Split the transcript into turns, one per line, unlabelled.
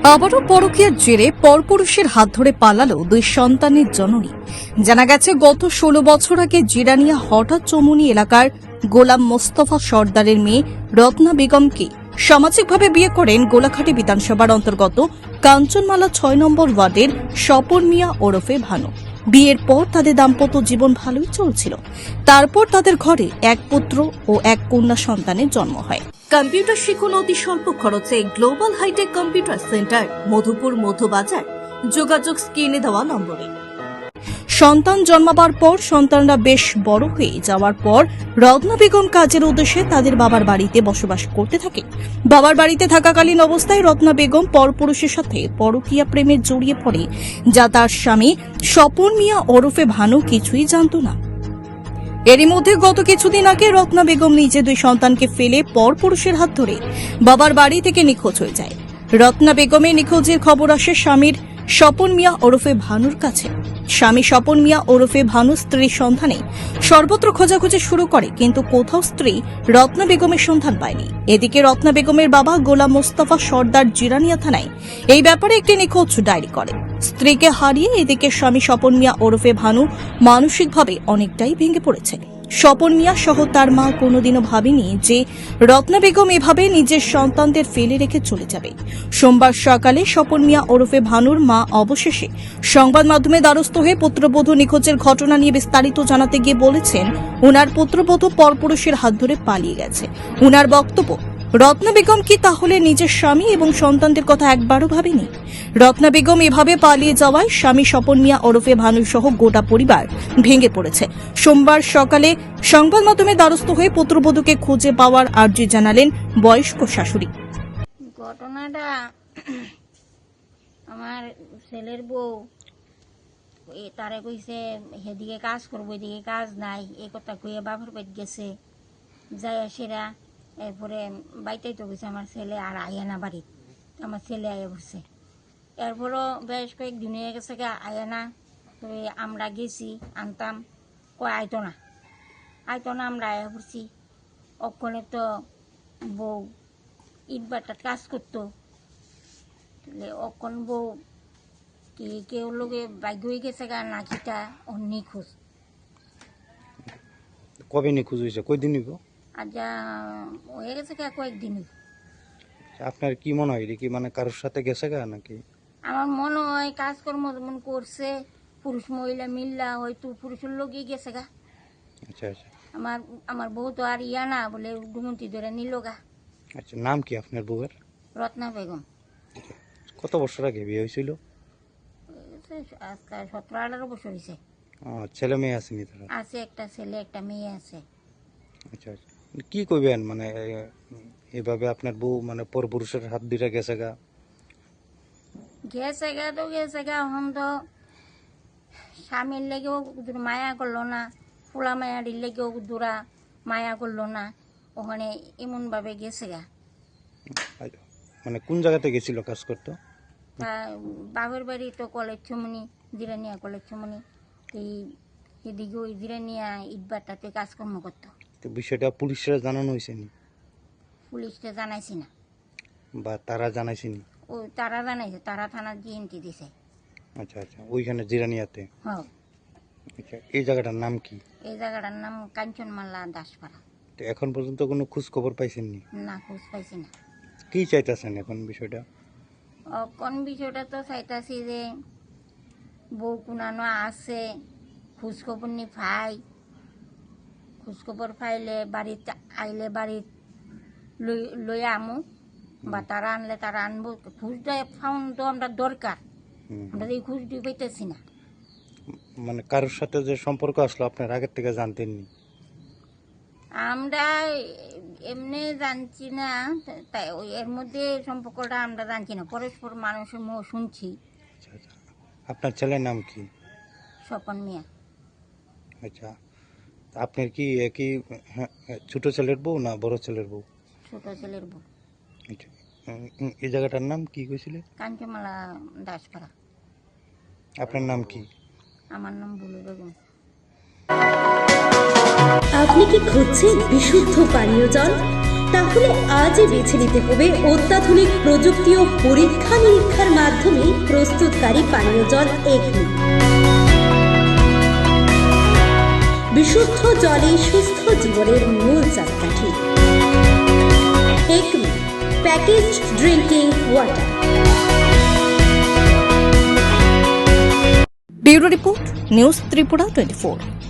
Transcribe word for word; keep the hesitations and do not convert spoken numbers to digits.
আবারও পরকীয়ার জেরে পরপুরুষের হাত ধরে পালালো দুই সন্তানের জননী। জানা গেছে, গত ষোলো বছর আগে জিরানিয়া হঠাৎ চমুনি এলাকার গোলাম মোস্তফা সর্দারের মেয়ে রত্না বেগমকে সামাজিকভাবে বিয়ে করেন গোলাঘাটি বিধানসভার অন্তর্গত কাঞ্চনমালা ছয় নম্বর ওয়ার্ডের স্বপন মিয়া ওরফে ভানু। বিয়ের পর তাদের দাম্পত্য জীবন ভালোই চলছিল। তারপর তাদের ঘরে এক পুত্র ও এক কন্যা সন্তানের জন্ম হয়। কম্পিউটার শিখুন অতি স্বল্প খরচে global hitech computer centre, Madhupur Madhubazar. যোগাযোগ স্ক্রিনে দেওয়া নম্বরে। সন্তান জন্মাবার পর সন্তানরা বেশ বড় হয়ে যাওয়ার পর রত্না বেগম কাজের উদ্দেশ্যে তাদের বাবার বাড়িতে বসবাস করতে থাকে। বাবার বাড়িতে থাকাকালীন অবস্থায় রত্না বেগম পরপুরুষের সাথে পরকীয়া প্রেমে জড়িয়ে পড়ে, যা তার স্বামী স্বপন মিয়া ওরফে ভানু কিছুই জানত না। এরই মধ্যে গত কিছুদিন আগে রত্না বেগম নিজে দুই সন্তানকে ফেলে পরপুরুষের হাত ধরে বাবার বাড়ি থেকে নিখোঁজ হয়ে যায়। রত্না বেগমের নিখোঁজের খবর আসে স্বামীর স্বপন মিয়া ওরফে ভানুর কাছে। স্বামী স্বপন মিয়া ওরফে ভানু স্ত্রীর সন্ধানে সর্বত্র খোঁজাখুঁজি শুরু করে, কিন্তু কোথাও স্ত্রী রত্না বেগমের সন্ধান পায়নি। এদিকে রত্না বেগমের বাবা গোলাম মোস্তফা সর্দার জিরানিয়া থানায় এই ব্যাপারে একটি নিখোঁজ ডায়েরি করে। স্ত্রীকে হারিয়ে এদিকে স্বামী স্বপন মিয়া ওরফে ভানু মানসিকভাবে অনেকটাই ভেঙে পড়েছে। স্বপন মিয়া সহ তার মা কোনোদিনও ভাবেনি যে রত্না বেগম এভাবে নিজের সন্তানদের ফেলে রেখে চলে যাবে। সোমবার সকালে স্বপন মিয়া ওরফে ভানুর মা অবশেষে সংবাদ মাধ্যমে দ্বারস্থ হয়ে পুত্রবধূ নিখোঁজের ঘটনা নিয়ে বিস্তারিত জানাতে গিয়ে বলেছেন, উনার পুত্রবধূ পরপুরুষের হাত ধরে পালিয়ে গেছে। উনার বক্তব্য, রত্না বেগম কি তাহলে নিজের স্বামী এবং সন্তানদের কথা একবারও ভাবেনি? রত্না বেগম এভাবে পালিয়ে যাওয়ায় স্বামী স্বপন মিয়া ওরফে ভানু সহ গোটা পরিবার ভেঙে পড়েছে। সোমবার সকালে সংবাদ মাধ্যমে দ্বারস্থ হয়ে পুত্রবধূকে খুঁজে পাওয়ার আর্জি জানালেন বয়স্ক শাশুড়ি।
ঘটনাটা আমার ছেলের বউ তারে কইছে সেদিকে কাজ করবো, এদিকে কাজ নাই, এই কথা কইয়া বাপের বাড়ি গেছে। যাই সেরা এরপরে বাইতেই তো গেছে আমার ছেলে, আর আইয়া না বাড়ি। আমার ছেলে আইয়া পড়ছে। এরপরও বেশ কয়েকদিন হয়ে গেছে গা আইয়া না। তো আমরা গেছি আনতাম, কয় আইতো না আইতো না আমরা আইয়া পড়ছি। অক্ষণে তো বউ ইট বাটার কাজ করতো। অক্ষণ বউ কি কেউ লোকে বাইক হয়ে গেছে গা নাকিটা ও নিখোঁজ।
কবে নিখোঁজ হয়েছে? কয়দিন হইব?
আজ হয়ে গেছে গা কয়েকদিন।
আপনার কি মনে হয়, কি মানে কারোর সাথে গেছে গা নাকি?
আমার মনে হয় কাজকর্ম যেমন করছে পুরুষ মহিলা মিল্লা হয়তো পুরুষের লোকই গেছে গা।
আচ্ছা আচ্ছা।
আমার আমার বউ তো আর ইয়া না বলে ডুমন্তি ধরে নিল গা।
আচ্ছা, নাম কি আপনার বউয়ের?
রত্না বেগম।
কত বছর আগে বিয়ে হয়েছিল?
আজকাল সতেরো আঠারো বছর হয়েছে।
ছেলে মেয়ে আসেনি তারা?
আছে একটা ছেলে একটা মেয়ে আছে।
আচ্ছা আচ্ছা। কি কইবেন মানে এভাবে আপনার বউ মানে পরপুরুষের হাত ধরে গেছে গা?
গেছে গা তো গেছে গা, এখন তো স্বামীর লেগেও মায়া করলো না, ফুলা মায়াটির লেগেও দূরা মায়া করলো না, ওখানে এমনভাবে গেছে গা।
মানে কোন জায়গাতে গেছিল কাজ করতো?
তা বাপের বাড়ি তো কলেজ ছমনি, জিরানিয়া কলেজ ছমনি, এই এদিকে ওই জিরানিয়া ইটবাটাতে কাজকর্ম করতো।
তো বিষয়টা পুলিশরা জানানো হয়েছে নি?
পুলিশকে জানাইছি না।
বা তারা জানাইছে নি?
ও তারা জানাইছে, তারা থানার জিএনটি দিছে।
আচ্ছা আচ্ছা, ওইখানে জিরানিয়াতে?
হ্যাঁ।
আচ্ছা, এই জায়গাটার নাম কি?
এই জায়গাটার নাম কাঞ্চনমালা দাসপাড়া।
তো এখন পর্যন্ত কোনো খোঁজ খবর পাইছেন নি?
না, খোঁজ পাইছি না।
কি চাইতেছেন এখন বিষয়টা?
কোন বিষয়টা তো চাইতাছি যে বউ কুনানো আছে, খোঁজখবর নি পাই, খোঁজখবর পাইলে বাড়িতে আইলে বাড়িত লই লই আমু, বা তারা আনলে তারা আনবো। খোঁজটা ফাউন তো আমরা দরকার, আমরা এই খোঁজটি পাইতেছি না।
মানে কারোর সাথে যে সম্পর্ক আসলো আপনার আগের থেকে জানতেননি?
আমরা এমনি জানছি না, তাই ওই এর মধ্যে সম্পর্কটা আমরা জানছি না, পরস্পর মানুষের মুখ শুনছি।
আচ্ছা আচ্ছা। আপনার ছেলের নাম কি?
স্বপন মিয়া।
আচ্ছা, আপনার কি একই ছোট ছেলের বউ না বড় ছেলের বউ?
ছোট ছেলের বউ।
আচ্ছা, এই জায়গাটার নাম কি কইছিলে?
কাঞ্চনমালা দাসপাড়া।
আপনার নাম কি?
আমার নাম বুলু বেগম।
আপনি কি খুঁজছেন বিশুদ্ধ পানীয় জল? তাহলে আজই বেছে নিতে হবে অত্যাধুনিক প্রযুক্তি ও পরীক্ষা নিরীক্ষার মাধ্যমে প্রস্তুতকারী পানীয় জল একমি। বিশুদ্ধ জলে সুস্থ জীবনের মূল চাকাঠি। Acme packaged drinking water.
Bureau report, news Tripura twenty four.